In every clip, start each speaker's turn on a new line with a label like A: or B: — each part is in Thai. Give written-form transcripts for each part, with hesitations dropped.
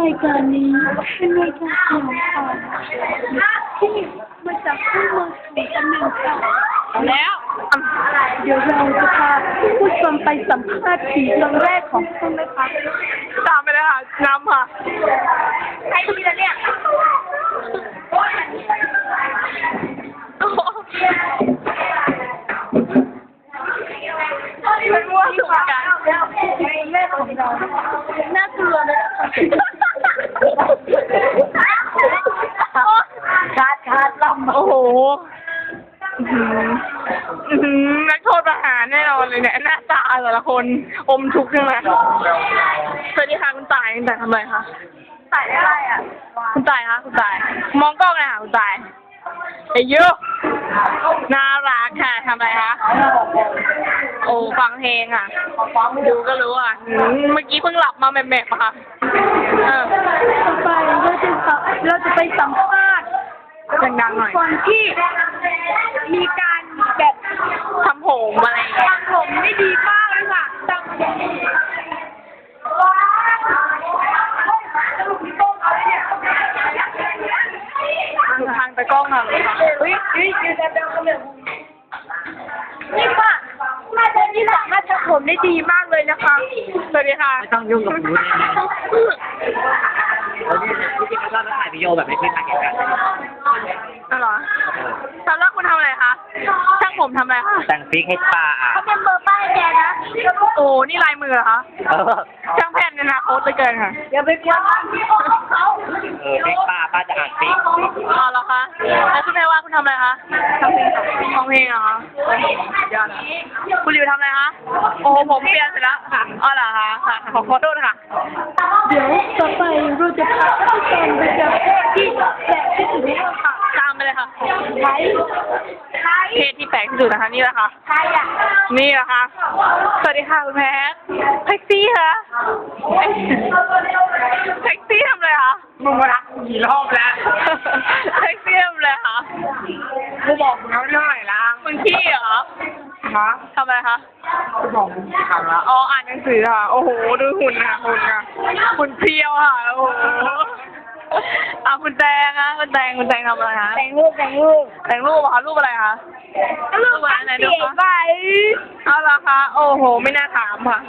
A: ายการนี้เป็นรายการสยองขวัญที่มาจากผู้มาสู่ตำแหน่งค่ะ
B: แล้ว
A: เดี๋ยวเราจะพาผู้ชมไปสัมภาษณ์ผีครั้งแรกของคุณนะคะ
B: ตามไปเลยค่ะน้ำค่ะ
A: ใครดีละเนี่ย
B: เป็นมั่วสุมกัน
A: ผีแรกของเราน่ากลัวนะขาดลำ
B: โอ้โหนักโทษประหารแน่นอนเลยเนี่ยหน้าตาแต่ละคนอมทุกข์ใช่ไหมสวัสดีค่ะคุณต่ายคุณต่ายทำอะไรคะ
A: ถ่ายได้ไรอ่ะ
B: คุณต่ายคะคุณต่ายมองกล้องเลยค่ะคุณต่ายไอ้เยอะน่ารักค่ะทำอะไรคะโอ้ฟังเพลงอ่ะดูก็รู้อ่ะเมื่อกี้เพิ่งหลับมาแม่ๆปะคะ
A: ต่อไปเราจะไปสัมภาษณ์
B: ดังๆหน่อย
A: คนที่มีการแบบ
B: ทำผมอะไร
A: ทำผมได้ดีมากเลยค่ะ
B: ทางตะกล้องค่ะ
A: นี่ค่ะมาเดินที่สามารถทำผมได้ดีมากเลยนะคะ
B: สวัสดีค่ะ
C: ไม่ต้องยุ่งกับหนูได้ไหมที่จริงก็ถ่ายวิดีโอแบบไม่ใช่ทางเหตุการณ์
B: อ๋อเหรอสำหรับคุณทำอะไรคะช่างผมทำอะไรคะ
C: แต่งฟิกให้ป้าอ่ะ
A: เขาเป็นเบอร์ป้ายแกนะ
B: โอ้นี่ลายมือเหรอคะช่างแผ่นในอนาคตเลยเกินค่ะ
A: อย่าไปกวนที่ของเขา
C: ฟิกป้าจะอ่านฟิก
B: อ๋อเหรอคะแล้วคุณแม่ว่าคุณทำอะไรคะทำเพลงค่ะเพลงเหรอคะยอดคุณริวทำอะไรคะโอ้ผมเปลี่ยนเสร็จแล้วค่ะอ๋อเหรอคะค่ะขอโทษค่ะ
A: เดี๋ยวต่อไปเราจะพาท่านผู้ชมไปเจอที่แปลกที่สุดในโลกค่ะ
B: ตามไปเลยค่ะ
A: ใคร
B: เพศที่แปลกที่สุดนะคะนี่แหละค่ะ
A: ใครอ่ะ
B: นี่แหละค่ะสวัสดีค่ะคุณแพทแท็กซี่ค่ะแท็กซี่ทำอะไรคะ
C: มึงมารักกี่รอบแล้ว
B: แท็กซี่ทำอะไรคะ
C: กูบอกมึงแล้วเรื่องไหนล่ะ
B: มึงขี้เหรอ
C: ฮะ
B: ทำอะไรคะ
C: กูบอกมึงทำละ
B: อ๋ออ่านหนังสือค่ะโอ้โหดูหุ่นค่ะหุ่นเพรียวค่ะโอ้โหคุณแตงอะคุณแตงทำอะไรคะ
A: แต่งรูป
B: เหรอคะรูปอะไรคะ
A: รูปอะไรดูคะไป
B: เอาละคะโอ้โหไม่น่าถามค่ะ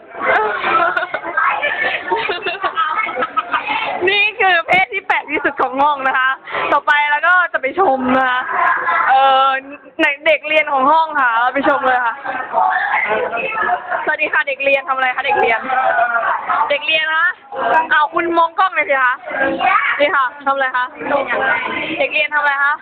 B: นี่คือเพศที่แปลกที่สุดของห้องนะคะต่อไปแล้วก็จะไปชมนะคะเด็กเรียนของห้องค่ะเราไปชมเลยค่ะสวัสดีค่ะเด็กเรียนทำอะไรคะเด็กเรียนคะเอาคุณมองกล้องเลยสิคะนี่ค่ะทำอะไรคะเด็กเรียนทำอะไรคะ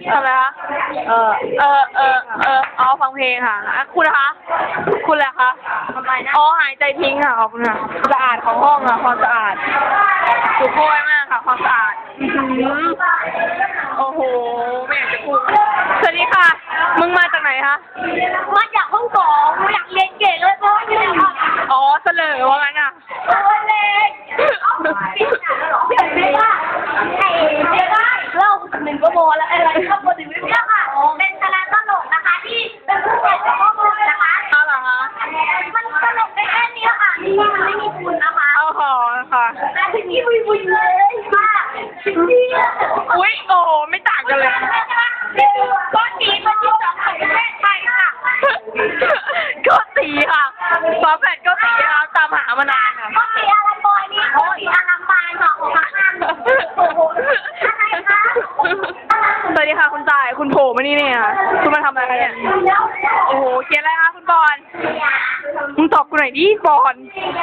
B: เอาฟังเพลงค่ะคุณนะคะคุณแหละคะ
A: ทำไมนะ
B: อ๋อหายใจทิ้งค่ะขอบคุณค่ะสะอาดของห้องค่ะความสะอาดสุโขทัยมากค่ะความสะอาดโอ้โหไม่อยากจะพูดสวัสดีค่ะมึงมาจากไหนคะ
A: มาจากห้องสองอยากเรียนเก่งเลยเพราะว่าที่ไหนอ่ะ
B: อ๋อเสลอว่างั้นอ่ะ
A: เล็กเห็นไหมว่าไอ้เดี๋ยวได้เล่าหนึ่งก็โมแล้วอะไรก็โมถึงเรื่องค่ะเป็นคณะตลกนะคะที่เป็นผู้ใหญ่ของห้องนะคะ
B: เอาเหรอคะ
A: มันตลกได้แค่นี้ค่ะมันไม่มีคุณนะคะ
B: เอาหอค่ะ
A: แต่ที่นี่วุ่นเลยมาก
B: อุ๊ยโอ้โหไม่ต่างกันเลย
A: ก้อนนี้มันที่สองของประเทศไทยค่ะ
B: ก็ตีค่ะฝาแฝดก็ตีค่ะตามหามานานค่ะ
A: ก็ตีอารัมบอยนี่โอ้ยอารัมบานค่ะของข้างโอ้โหอะไรคะ
B: สวัสดีค่ะคุณจ่ายคุณโผล่มานี่เนี่ยคุณมาทำอะไรคะเนี่ยโอ้โหเขียนอะไรคะคุณบอลมึงตอบกูหน่อยดิบอล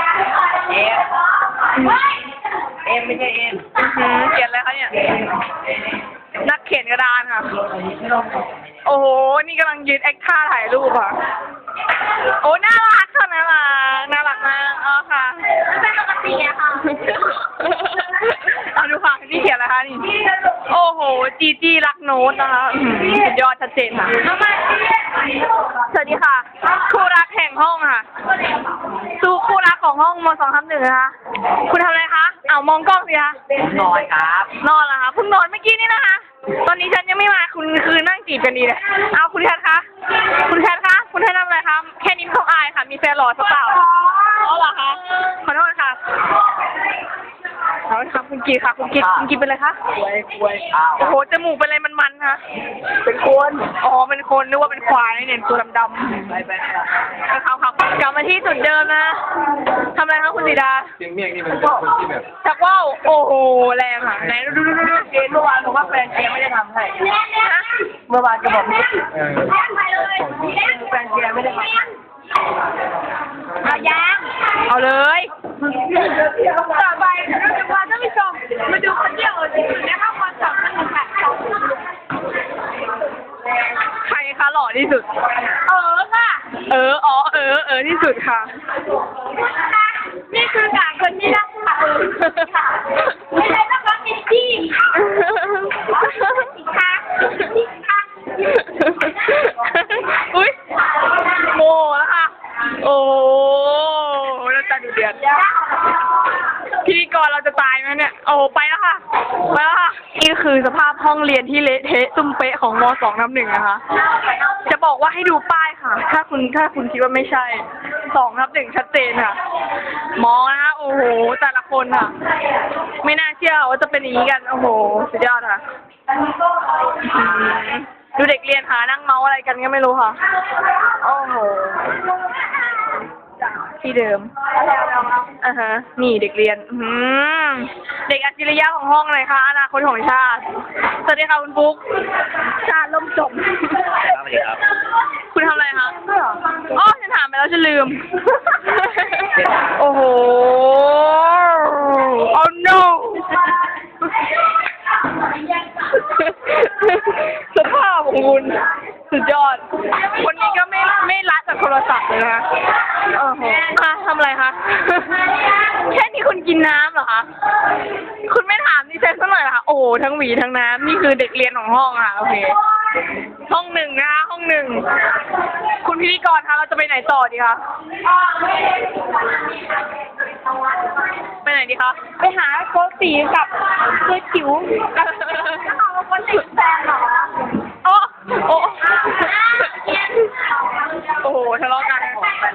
C: เอ็มไม่ใช่เอ็ม
B: เขียนอะไรคะเนี่ยนักเขียนกระดานค่ะโอ้โหนี่กำลังยืนแอคท่าถ่ายรูปค่ะโอ้น่ารักค่ะน่ารักมากอ๋อค่ะ
A: เป็นปกติอะค่ะ
B: เอาดูค่ะนี่เขียนอะไรคะนี่โอ้โหจีรักโน้ตนะคะสุดยอดชัดเจนค่ะสวัสดีค่ะคู่รักแห่งห้องค่ะสู้คู่รักของห้องม.2/1นะคะคุณทำอะไรคะเอามองกล้องสิคะ
C: นอนครับ
B: นอนเหรอคะเพิ่งนอนเมื่อกี้นี่นะคะตอนนี้ฉันยังไม่มาคุณคือนั่งจีบกันดีเลยเอาคุณแคทคะคุณแคททำอะไรคะแค่นี้เขาอายค่ะมีแฟนหล่อสักเปล่าอ๋อเหรอคะขอโทษค่ะดค่ะคุณกิดเป็นอะไรคะ
C: ควยอ้าว
B: โอ้โหจมูกเป็นอะไรมันๆคะ
C: เป็นคน
B: อ๋อเป็นคนนึกว่าเป็นควายเนี่ยตัวดำ
C: ไป
B: ครับครับกลับมาที่จุดเดิมนะทำอะไรคะคุณสีดา
D: เชียงเมี่ยงนี่มันเป็นคนที่แบบ
B: ชักว่าวโอ้โหแรงค่ะไหนดู
C: เกณฑ์เมื่อวานบอกว่าแฟนเกมไม่ได้ทำให้
B: นะ
C: เมื่อวานก็บอกไม่ได้
D: เออ
C: แฟนเกมไม่ได้ทำ
A: เอายาง
B: เอาเลย
A: ต่อไปเราจะพาท่านผู้ชมมาดูคนเดียวที่สุดในห้องความสำคัญค่ะ
B: ใครคะหล่อที่สุด
A: ค่ะ
B: ที่สุดค่ะ
A: นี่คือการคนที่รักค่ะไม่ใช่ต้องรักมิตตี้ค่ะ
B: อุ้ยโมแล้วค่ะ โอ้แล้วตาดูเดือดพิธีกรเราจะตายไหมเนี่ย โอ้ไปแล้วค่ะ ไปแล้วค่ะ นี่คือสภาพห้องเรียนที่เละเทะตุ้มเป๊ะของม.2/1นะคะ จะบอกว่าให้ดูป้ายค่ะ ถ้าคุณคิดว่าไม่ใช่ 2/1ชัดเจนค่ะ มองนะคะโอ้โห แต่ละคนค่ะ ไม่น่าเชื่อว่าจะเป็นอย่างนี้กัน โอ้โห สุดยอดค่ะ ดูเด็กเรียนค่ะนั่งเมาอะไรกันก็ไม่รู้ค่ะ โอ้โห ที่เดิมนี่เด็กเรียนเด็กอัจฉริยะของห้องเลยค่ะอนาคตของชาติ สวัสดีค่ะคุณปุ๊ก ชาติล่มจม
C: สวัสดีครับ
B: คุณทำอะไรคะอ๋อฉันถามไปแล้วฉันลืม โอ้โห oh no สภาพของคุณสุดยอด คนนี้ก็ไม่ละจากโทรศัพท์เลยนะคะโอ้โหทำอะไรคะ แค่นี้คุณกินน้ำเหรอคะ คุณไม่ถามดิฉันสักหน่อยเหรอคะ โอ้โห ทั้งหวีทั้งน้ำ นี่คือเด็กเรียนของห้องค่ะ โอเค ห้อง 1นะคะ ห้อง 1 คุณพิธีกรคะเราจะไปไหนต่อดีคะ ไปไหนดีคะ
A: ไปหาโกตีกับตัวจิ๋วแล้วเอาคนติดแฟนเหรอ
B: โอ้โอ้โอ้โหทะเลาะกัน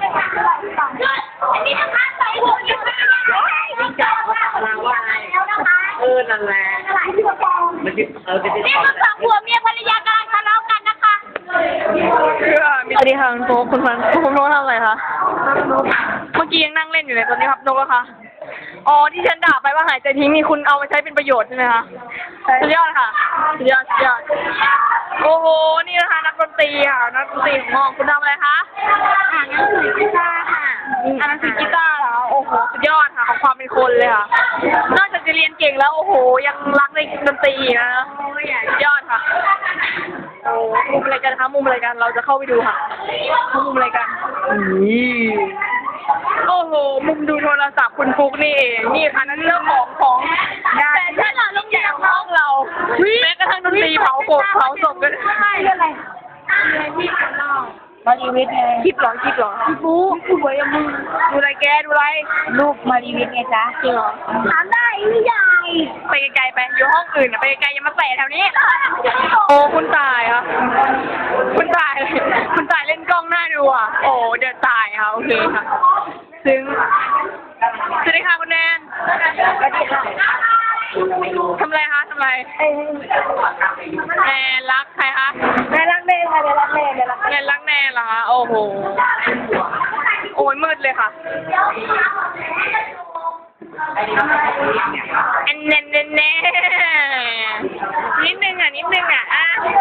A: อันนี้นะคะใส่หัวยังไม่ได้ไม่จับมาว่าแล้วนะคะ
C: นั่นแหละ
A: หลายที่กระปอง
C: มันจะเป็น
A: นี่คือสองผัวเมียภรรยากำลังทะเลาะกันนะคะ
B: สวัสดีค่ะคุณโฟคุณฟันคุณโน้ตทำอะไรคะ เมื่อกี้ยังนั่งเล่นอยู่เลยตอนนี้ครับโน้ตอะคะอ๋อที่ฉันด่าไปว่าหายใจทิ้งนี่คุณเอามาใช้เป็นประโยชน์ใช่ไหมคะสุดยอดค่ะสุดยอดโอ้โหนี่นะคะนักดนตรีค่ะนักดนตรีของห้องคุณทำอะไรคะอ่านหนังสือกีตาร์ค่ะอ่านหนังสือกีตาร์เหรอโอ้โหสุดยอดค่ะของความเป็นคนเลยค่ะนอกจากจะเรียนเก่งแล้วโอ้โหยังรักในดนตรีนะสุดยอดค่ะโอ้มุมอะไรกันคะมุมอะไรกันเราจะเข้าไปดูค่ะมุมอะไรกันโอ้โหมุมดูโทรศัพท์คุณฟุกนี่เองนี่ค่ะนั่นเรื่องของแต่ถ้าเราโรงเรียนห้องเราแม้กระทั่งดนตรีเผากบเผาศพกันใช่เรื่องอะไรที่ข้างนอกมารีวิทย์ไงคลิปเหรอพี่ฟุกสวยอะมึงดูอะไรแกดูอะไรรูปมารีวิทย์ไงจ๊ะจริงเหรอ
A: ถามได้ไม่ใหญ่
B: ไปไกลๆไปอยู่ห้องอื่นอะไปไกลๆอย่ามาแตะแถวนี้โอ้คุณตายค่ะคุณตายเล่นกล้องหน้าดูอ่ะโอ้เดือดตายค่ะโอเคค่ะซึ้งสวัสดีค่ะคุณแนน
A: สวัสดีค่ะ
B: ทำอะไรคะทำอะไรแนนรักใครคะ
A: แม่รักแม่ค่ะแม่รักแม่แม่รัก
B: แนนรักแนนเหรอคะโอ้โหโอ้ยมืดเลยค่ะแนนนิดนึงอ่ะ